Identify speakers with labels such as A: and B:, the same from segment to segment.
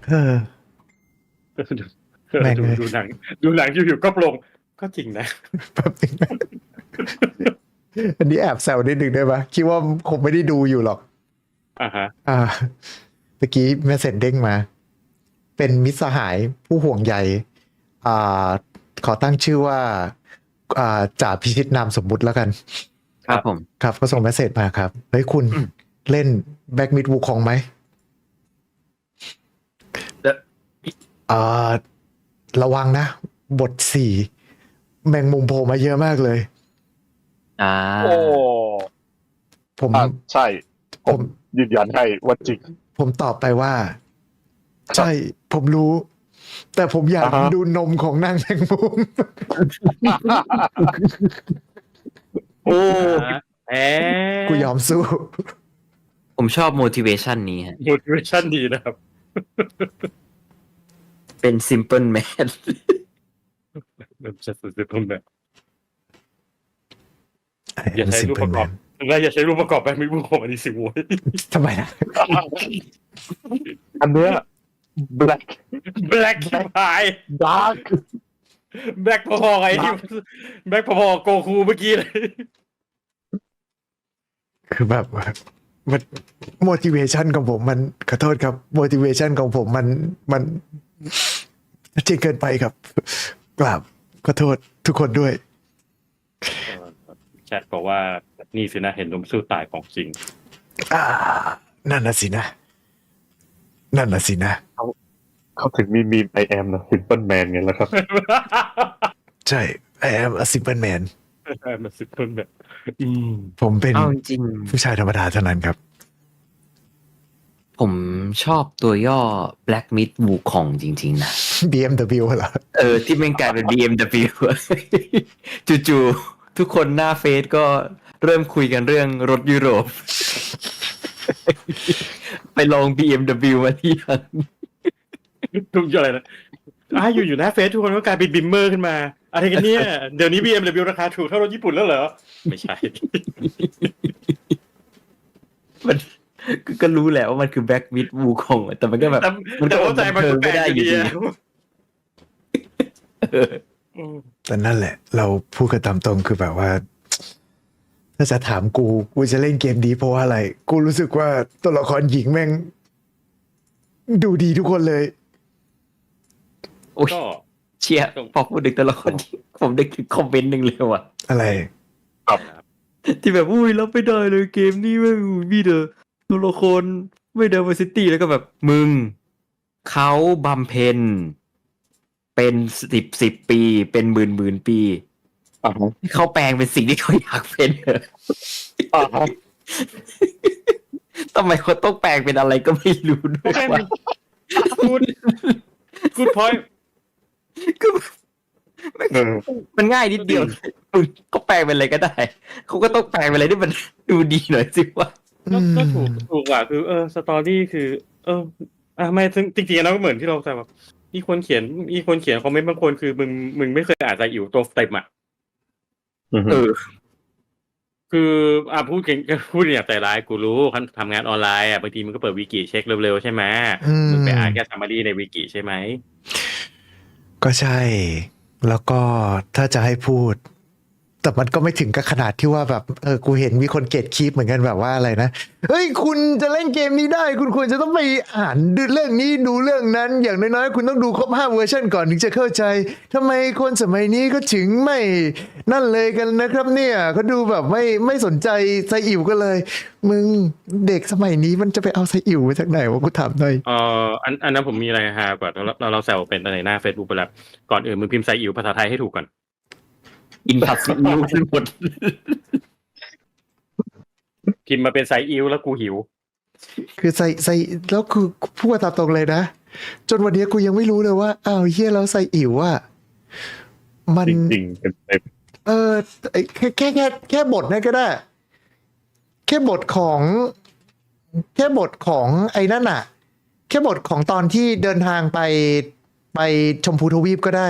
A: เออแม่งเลย
B: ดูหนังอยู่ๆก็ปลงก็จริงนะ
A: แป๊บนึงนะอันนี้แอบแซวนิดนึงได้ปะคิดว่าคงไม่ได้ดูอยู่หรอก
B: ฮะ
A: ตะกี้แมสเซจเด้งมา เป็นมิตรสหายผู้ห่วงใยอ่าขอตั้งชื่อว่าจ่าพิชิตนามสมมุติแล้วกัน
C: ครับผม
A: ครับก็ส่งแมสเซจมาครับเฮ้ยคุณเล่นแบ็กมิดวูคองไหมระวังนะ บทสี่แมงมุมโผล่มาเยอะมากเลย
B: โอ้
A: ผม
D: ใช่ผมยืนยันให้ว่าจริง
A: ผมตอบไปว่า ใช่ ผมรู้ แต่ผมอยากดูนมของนางแมงมุม
C: โอ้
A: กูยอมสู้
C: ผมชอบ motivation นี้ฮะ
B: motivation ดีนะครับ
C: เป็น simple man
B: มันจะสุดๆแบบอย่าใช้รูปประกอบอย่าใช้รูปประกอบแบบไม่บุคคลอันนี้สิโว้ย
A: ทำไมนะ
D: อันเนี้ย black
B: ชิบหาย
D: dark
B: black พอๆไอ้ที่black พอๆโกคูเมื่อกี้เลย
A: คือแบบมัน motivation ของผมมันขอโทษครับ motivation ของผมมันจริงเกินไปครับ กราบขอโทษทุกคนด้วย
B: แชทบอกว่านี่สินะเห็นนมสู้ตายของจริง
A: นั่นน่ะสินะนั่นน่ะสินะ
D: เขาถึงมีมีม I am นะ simple man ไงแล้วครับ
A: ใช่ I am a simple man
B: มันสุดคนแบบ
A: ผมเป็น
C: เอาจริง
A: ผู้ชายธรรมดาเท่านั้นครับ
C: ผมชอบตัวย่อ Black Myth Wukong จริงๆนะ
A: BMW เหรอ
C: ที่แม่งกลายเป็น BMW จู่ๆทุกคนหน้าเฟซก็เริ่มคุยกันเรื่องรถยุโรป ไปลอง BMW มาที่ยัง
B: ทุกอย่างอะไรนะอยู่หน้าเฟซทุกคนก็กลายเป็นบิมเมอร์ขึ้นมาอะไรกันเนี่ย เดี๋ยวนี้ BMW ราคาถูกเท่ารถญี่ปุ่นแล้วเหรอ ไม่ใช่
C: มันก็รู้แหละว่ามันคือ Black Myth Wukong แต่มันก็แบบมันก็
B: เข้าใจมันก็แปลก
C: ไม่ได้
B: อ
C: อยู่ ยู่
B: ดี
C: ดี
A: แต่นั่นแหละ เราพูดกันตามตรงคือแบบว่า ถ้าจะถามกูจะเล่นเกมดีเพราะว่าอะไร กูรู้สึกว่าตัวละครหญิงแม่ง ดูดีทุกคนเลย
C: โอ้ย
B: ก็
C: เชียร์พอพูดถึงแต่ละคนผมได้คอมเมนต์หนึ่งเลยว่ะ
A: อะไร
C: ที่แบบอุ้ยรับไม่ได้เลยเกมนี้แม่งมีแต่ตัวละครไม่ diversity แล้วก็แบบมึงเขาบำเพ็ญเป็น10 ปีเป็นหมื่นปีเขาแปลงเป็นสิ่งที่เขาอยากเป็นเหรอทำไมเขาต้องแปลงเป็นอะไรก็ไม่รู้ด้วยวะ
B: กูดพอยต์
C: คือมันง่ายนิดเดียวก็แปลงเป็นอะไรก็ได้เขาก็ต้องแปลงเป็นอะไรที่มันดูดีหน่อยสิวะ
B: ก็ถูกว่ะคือสตอรี่คือไม่จริงๆแล้วก็เหมือนที่เราแต่แบบมีคนเขียนคอมเมนต์บางคนคือมึงไม่เคยอ่านใจอิ๋วตัวเต็มอ่ะคือพูดอย่างใจร้ายกูรู้ทำงานออนไลน์บางทีมันก็เปิดวิกิเช็คเร็วๆใช่ไหมมึงไปอ่านแค่ซัมมารีในวิกิใช่ไหม
A: ก็ใช่ แล้วก็ถ้าจะให้พูด แต่มันก็ไม่ถึงกับขนาดที่ว่าแบบกูเห็นมีคนเกตคีปเหมือนกันแบบว่าอะไรนะเฮ้ยคุณจะเล่นเกมนี้ได้คุณควรจะต้องไปอ่านดูเรื่องนี้ดูเรื่องนั้นอย่างน้อยๆคุณต้องดูครบ5 เวอร์ชันก่อนถึงจะเข้าใจทำไมคนสมัยนี้ก็ถึงไม่นั่นเลยกันนะครับเนี่ยเขาดูแบบไม่สนใจไซอิ๋วก็เลยมึงเด็กสมัยนี้มันจะไปเอาไซอิ๋วมาจากไหนวะกูถามหน่อย
B: อันนั้นผมมีอะไรฮากว่าเราแซวเป็นในหน้า Facebook ไปแล้วก่อนอื่นมึงพิมพ์ไซอิ๋วภาษาไทยให้ถูกก่อน
C: อินผัดซีอิ๊วทั้งหมด
B: พิมพ์มาเป็นไซอิ๋วแล้วกูหิว
A: คือใส่แล้วคือพูดตามตรงเลยนะจนวันนี้กูยังไม่รู้เลยว่าอ้าวเฮียแล้วไซอิ๋วอ่ะมัน
D: จริง
A: แค่บทนั่นก็ได้แค่บทของไอ้นั่นอ่ะแค่บทของตอนที่เดินทางไปชมพูทวีปก็ได้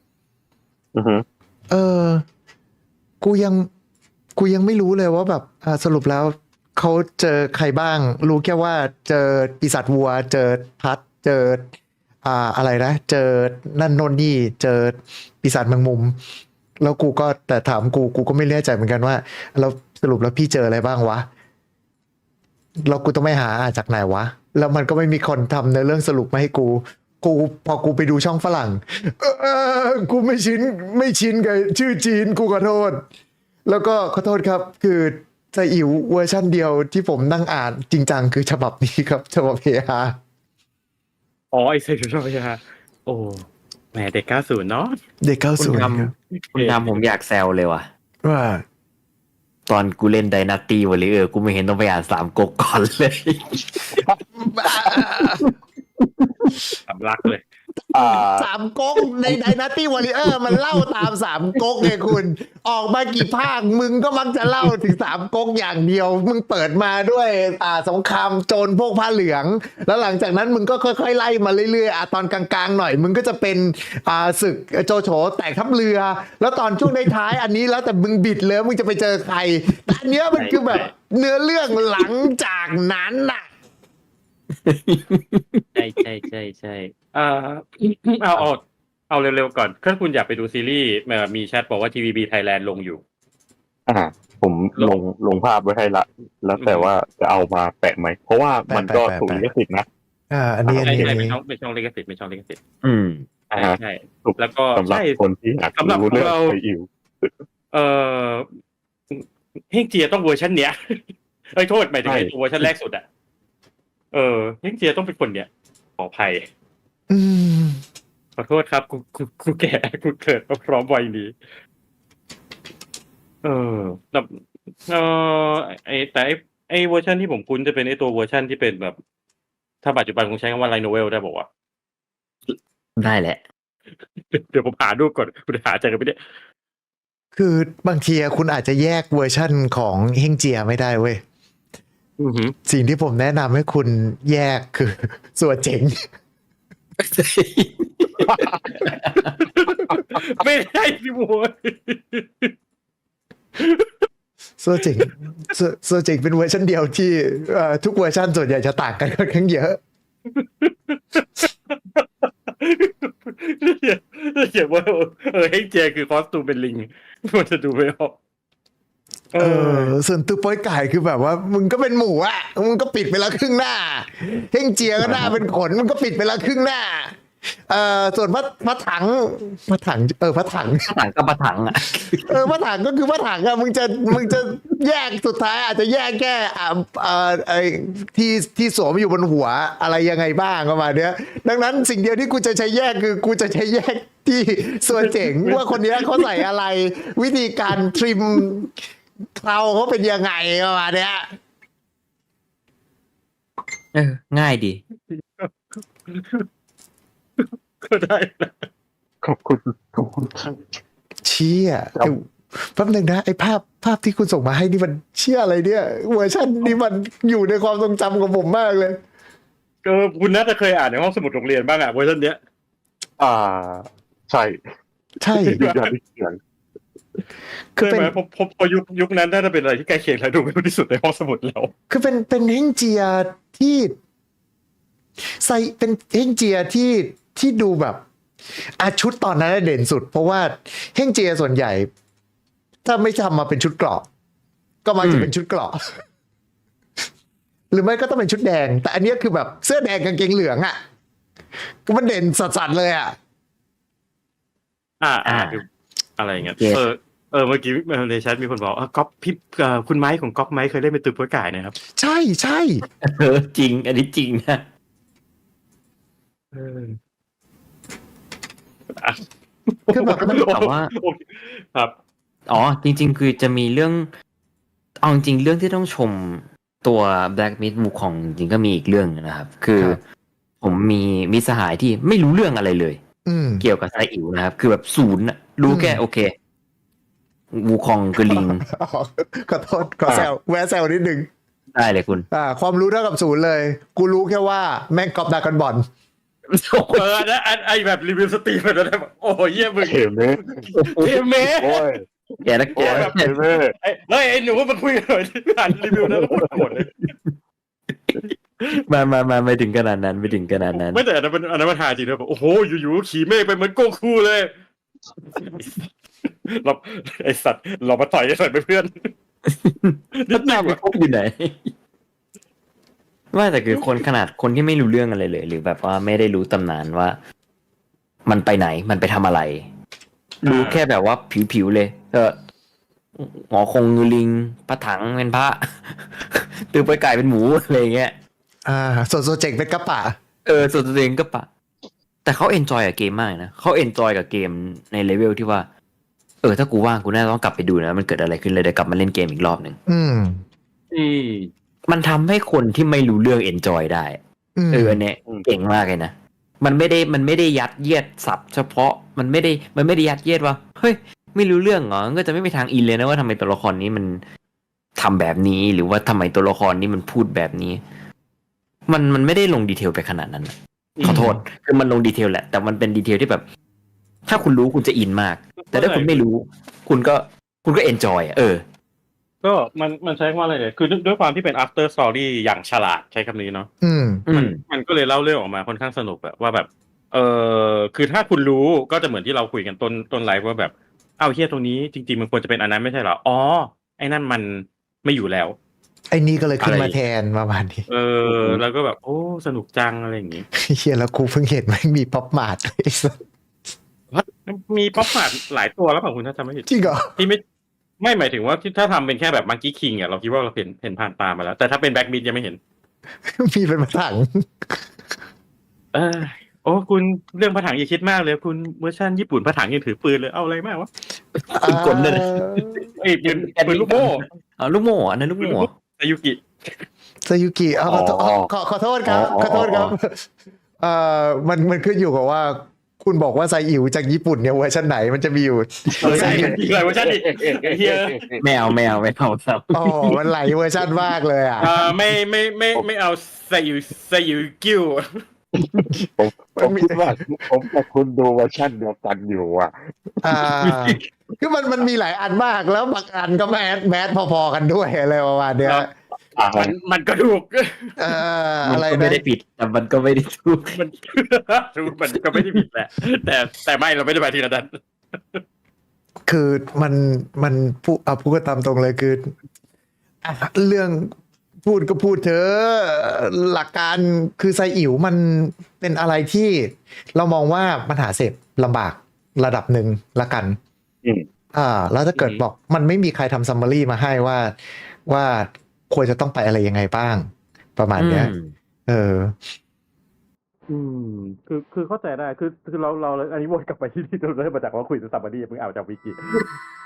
A: กูยังไม่รู้เลยว่าแบบสรุปแล้วเขาเจอใครบ้างรู้แค่ว่าเจอปีศาจวัวเจอพัดเจออะไรนะเจอนั่นโน่นนี่เจอปีศาจแมงมุม แล้วกูก็แต่ถามกูก็ไม่แน่ใจเหมือนกันว่าแล้วสรุปแล้วพี่เจออะไรบ้างวะแล้วกูต้องไม่หาจากไหนวะแล้วมันก็ไม่มีคนทำในเรื่องสรุปมาให้กูพอกูไปดูช่องฝรั่งกูไม่ชินกับชื่อจีนกูขอโทษ แล้วก็ขอโทษครับคือไซอิ๋วเวอร์ชั่นเดียวที่ผมนั่งอ่านจริงจังคือฉบับนี้ครับฉบับเฮฮา
B: อ๋อไอเซ็กชอบใช่ไหมโอ้แหมเด็ก90เนาะ
A: เด็กเก้า
C: คุณ
A: ศูนย์
C: ทำคุณทำผมอยากแซวเลยว่ะ
A: ว่า
C: ตอนกูเล่นไดนาตี้วอลเลเยอร์กูไม่เห็นต้องไปอ่านสามก๊กก่อนเลย
B: สำลักเลย
A: สามก๊กใน Dynasty Warrior มันเล่าตามสามก๊กไงคุณ ออกมากี่ภาคมึงก็มักจะเล่าถึงสามก๊กอย่างเดียว มึงเปิดมาด้วยสงครามโจรพวกผ้าเหลือง แล้วหลังจากนั้นมึงก็ค่อยๆไล่มาเรื่อยๆตอนกลางๆหน่อย มึงก็จะเป็นศึกโจโฉแตกทัพเรือ แล้วตอนช่วงท้ายๆอันนี้แล้วแต่มึงบิดเลยมึงจะไปเจอใครแต่อันเนี้ยมันคือแบบเนื้อเรื่องหลังจากนั้นน่ะ
B: ใช่เอาเร็วๆก่อนถ้าคุณอยากไปดูซีรีส์มีแชทบอกว่า TVB Thailand ลงอยู่
D: ผมลงภาพไว้ให้ละแล้วแต่ว่าจะเอามาแปะไหมเพราะว่ามันก็ถูกลิขสิทธิ์นะ
A: อันนี้
B: ใช่เป็นช่องลิขสิทธิ์
C: อืม
B: ใช่แล้วก็
D: สำหรับคนที่อยากรู้เรื่องไซอิ๋ว
B: เฮงเจียต้องเวอร์ชันเนี้ยโทษหมายถึงไอ้ตัวเวอร์ชันแรกสุดอ่ะเฮงเจียต้องเป็นคนเนี้ยขออภัยขอโทษครับกูแก่กูเกิดมาพร้อมวัยนี้แต่ไอเวอร์ชันที่ผมคุ้นจะเป็นไอตัวเวอร์ชันที่เป็นแบบถ้าปัจจุบันคงใช้คำว่าไลท์โนเวลได้บอกว่า
C: ได้แหละ
B: เดี๋ยวผมหาดูก่อนคุณหาเจอกันไม่ได้
A: คือบางทีคุณอาจจะแยกเวอร์ชั่นของเฮงเจียไม่ได้เว้ย สิ่งที่ผมแนะนำให้คุณแยกคือสัวเจ๋ง
B: ไม่ได้พี่บัว
A: สัวเจ๋งเป็นเวอร์ชันเดียวที่ทุกเวอร์ชันส่วนใหญ่จะต่างกันค่อนข้างเยอะ
B: เขียนว่าเฮงเจียคือคอสตูมเป็นลิงมันจะดูไม่ออก
A: ส่วนตัวโป้ยไก่คือแบบว่ามึงก็เป็นหมูอ่ะมึงก็ปิดไปแล้วครึ่งหน้าเฮงเจียก็หน้าเป็นขนมึงก็ปิดไปแล้วครึ่งหน้าส่วนพระถังก็พระถังอ่ะ
C: พระถัง
A: ก็คือพระถังอะมึงจะแยกสุดท้ายอาจจะแยกแค่ไอ้ที่สวมอยู่บนหัวอะไรยังไงบ้างประมาณเนี้ยดังนั้นสิ่งเดียวที่กูจะใช้แยกคือกูจะใช้แยกที่ส่วนเจ๋งว่าคนนี้เขาใส่อะไรวิธีการทริมเคราเขาเป็นยังไงประมาณเนี้ย
C: ง่ายดี
B: ก็ได้นะ
D: ขอบคุณครับ
A: เชี่ยแป๊บนึงนะไอ้ภาพที่คุณส่งมาให้นี่มันเชี่ยอะไรเนี่ยเวอร์ชันนี้มันอยู่ในความทรงจำของผมมากเลย
B: ก็คุณน่าจะเคยอ่านในห้องสมุดโรงเรียนบ้างอ่ะเวอร์ชันเนี้ย
D: ใช่
A: ใช่
D: ยืนยันที่เสียง
A: คือ
B: ใช่
A: เป็น
B: ไหมพอยุคนั้นน่าจะเป็นอะไรที่ใกล้เคียงและดูไม่รู้ที่สุดในห้องสมุดแล้ว
A: คือเป็นเฮงเจียที่ใส่เป็นเฮงเจียที่ดูแบบชุดตอนนั้นเด่นสุด เพราะว่าเฮงเจียส่วนใหญ่ ถ้าไม่ทำมาเป็นชุดเกราะก็มักจะเป็นชุดเกราะ หรือไม่ก็ต้องเป็นชุดแดง แต่อันนี้คือแบบเสื้อแดงกางเกงเหลืองอ่ะก็มันเด่นสัสๆเลยอ่ะ
B: คืออะไรอย่างเงี้ยเมื่อกี้ในแชทมีคนบอกก๊อปพี่คุณไม้ของก๊อปไม้เคยเล่นเป็นตัวโป้ยไก่นะครับ
A: ใช่
C: จริง อันนี้จริงนะ
A: คือแบบมัน
C: แต่ว่า
B: ครับ
C: จริง ๆ คือจะมีเรื่องเอาจริงเรื่องที่ต้องชมตัว Black Myth มูของจริงก็มีอีกเรื่องนะครับ คือผมมีสหายที่ไม่รู้เรื่องอะไรเลยเกี่ยวกับไซอิ๋วนะครับ คือแบบศูนย์รู้แค่โอเควูคองกับลิง
A: ขอโทษขอแซวแวะแซวนิดนึง
C: ได้เลยคุณ
A: ความรู้เท่ากับศูนย์เลย กูรู้แค่ว่าแม่งกอบดากันบอล
B: นะไอแบบรีวิวสตรีมแบบนั้นโอ้ยเยี่ยมึง
D: เห็นไหม
B: เทเม
D: โอ้ย
C: แกนะแก
D: เห็นไหม
B: ไอ้หนูมันคุยกันหน่อยอ่านรีวิวแล้วพูดหมดเลย
C: ไม่ถึงขนาดนั้นไม่ถึงขนาดนั้น
B: ไม่แต่อันนั้นมันหาจริงนะแบบโอ้โหอยู่ๆขี่เมฆไปเหมือนโกคูเลยเราไอสัตว์เรามาต่อยไอสัตว์ไปเพื่อน
C: พัฒนาไปพบอยู่ไหนว่าแต่คือคนขนาดคนที่ไม่รู้เรื่องอะไรเลย หรือแบบว่าไม่ได้รู้ตำนานว่า มันไปไหนมันไปทำอะไร รู้แค่แบบว่าผิวๆเลยหมอคงงูลิงพระถังเป็นพระ ตือไปไก่เป็นหมูอะไรเงี้ย
A: ส่วนโซเจกเป็นกระปะ
C: ส่วนตัวเองก็ปะ แต่เขาเอนจอยกับเกมมากนะเขาเอนจอยกับเกมในเลเวลที่ว่าถ้ากูว่างกูน่าต้องกลับไปดูนะมันเกิดอะไรขึ้นเลยเดี๋ยวกลับมาเล่นเกมอีกรอบหนึ่ง
A: อืม
C: มันทำให้คนที่ไม่รู้เรื่องเอนจอยได้ อันเนี้ยเก่งมากเลยนะมันไม่ได้ยัดเยียดศัพท์เฉพาะมันไม่ได้ยัดเยียดว่าเฮ้ยไม่รู้เรื่องเหรอก็จะไม่มีทางอินเลยนะว่าทำไมตัวละครนี้มันทำแบบนี้หรือว่าทำไมตัวละครนี้มันพูดแบบนี้ มันไม่ได้ลงดีเทลไปขนาดนั้นนะขอโทษคือมันลงดีเทลแหละแต่มันเป็นดีเทลที่แบบ ถ้าคุณรู้คุณจะอินมาก แต่ถ้าคุณไม่รู้ คุณก็เอนจอย
B: ก็มันใช้ว่าอะไรเนี่ยคือด้วยความที่เป็น after story อย่างฉลาดใช้คำนี้เนาะมันก็เลยเล่าเรื่องออกมาค่อนข้างสนุกแบบว่าแบบคือถ้าคุณรู้ก็จะเหมือนที่เราคุยกันต้นไลฟ์ว่าแบบเฮียตรงนี้จริงๆมันควรจะเป็นอันนั้นไม่ใช่เหรออ๋อไอ้นั่นมันไม่อยู่แล้ว
A: ไอ้นี่ก็เลยขึ้นมาแทนประมาณนี้
B: แล้วก็แบบโอ้สนุกจังอะไรอย่างงี้
A: เฮียแล้วกูเพิ่งเห็นมันมีป๊อปมาร์ท
B: มีป๊อปมาร์ทหลายตัวแล้วป่ะคุณถ้าจำไม่ผิด
A: จริงเหรอ
B: ที่ไม่หมายถึงว่าถ้าทำเป็นแค่แบบมังกี้คิงเราคิดว่าเราเห็นผ่านตามาแล้วแต่ถ้าเป็นแบ็กมิดยังไม่เห็น
A: มีเป็นมาถัง
B: โอ้คุณเรื่องพระถังอย่าคิดมากเลยคุณเวอร์ชันญี่ปุ่นพระถังยังถือปืนเลยเอาอะไรมากวะ
C: ปืนกลเลย
B: ปืนลูกโม่
C: ลูกโม่อันนั้นลูกโม่
B: ซายุ
A: กิขอโทษครับมันขึ้นอยู่กับว่าคุณบอกว่าไซอิ๋วจากญี่ปุ่นเนี่ยเวอร์ชันไหนมันจะมีอยู่
B: ใช่เวอร์ชันอีกเฮีย
C: ไม่เอาครับ
A: มันหลายเวอร์ชันมากเลย
B: ไม่เอาไซอิ๋วกิ้ว
D: ผมคิดว่าผมกับคุณดูเวอร์ชันเดียวกันอยู่
A: คือมันมีหลายอันมากแล้วบางอันก็แมสพอๆกันด้วยอะไรประมาณเนี้ย
B: มันก็ถูก
A: อะไร
C: ไม่ได้ผิดแต่มันก็ไม่ได้ถูก
B: มันก็ไม่ได้ผิดแหละแต่ไม่เราไม่ได้ไปทีละดัน
A: คือมันพูดกันตามตรงเลยคือเรื่องพูดก็พูดเถอะหลักการคือไซอิ๋วมันเป็นอะไรที่เรามองว่ามันหาเสพลำบากระดับหนึ่งละกันแล้วถ้าเกิดบอกมันไม่มีใครทำซัมมารีมาให้ว่าควรจะต้องไปอะไรยังไงบ้างประมาณเนี้ย
B: คือเข้าใจได้คือเราอันนี้วนกลับไปที่เราเริ่มมาจากว่าคุยซัมมารีเพิ่งเอาจากวิกิ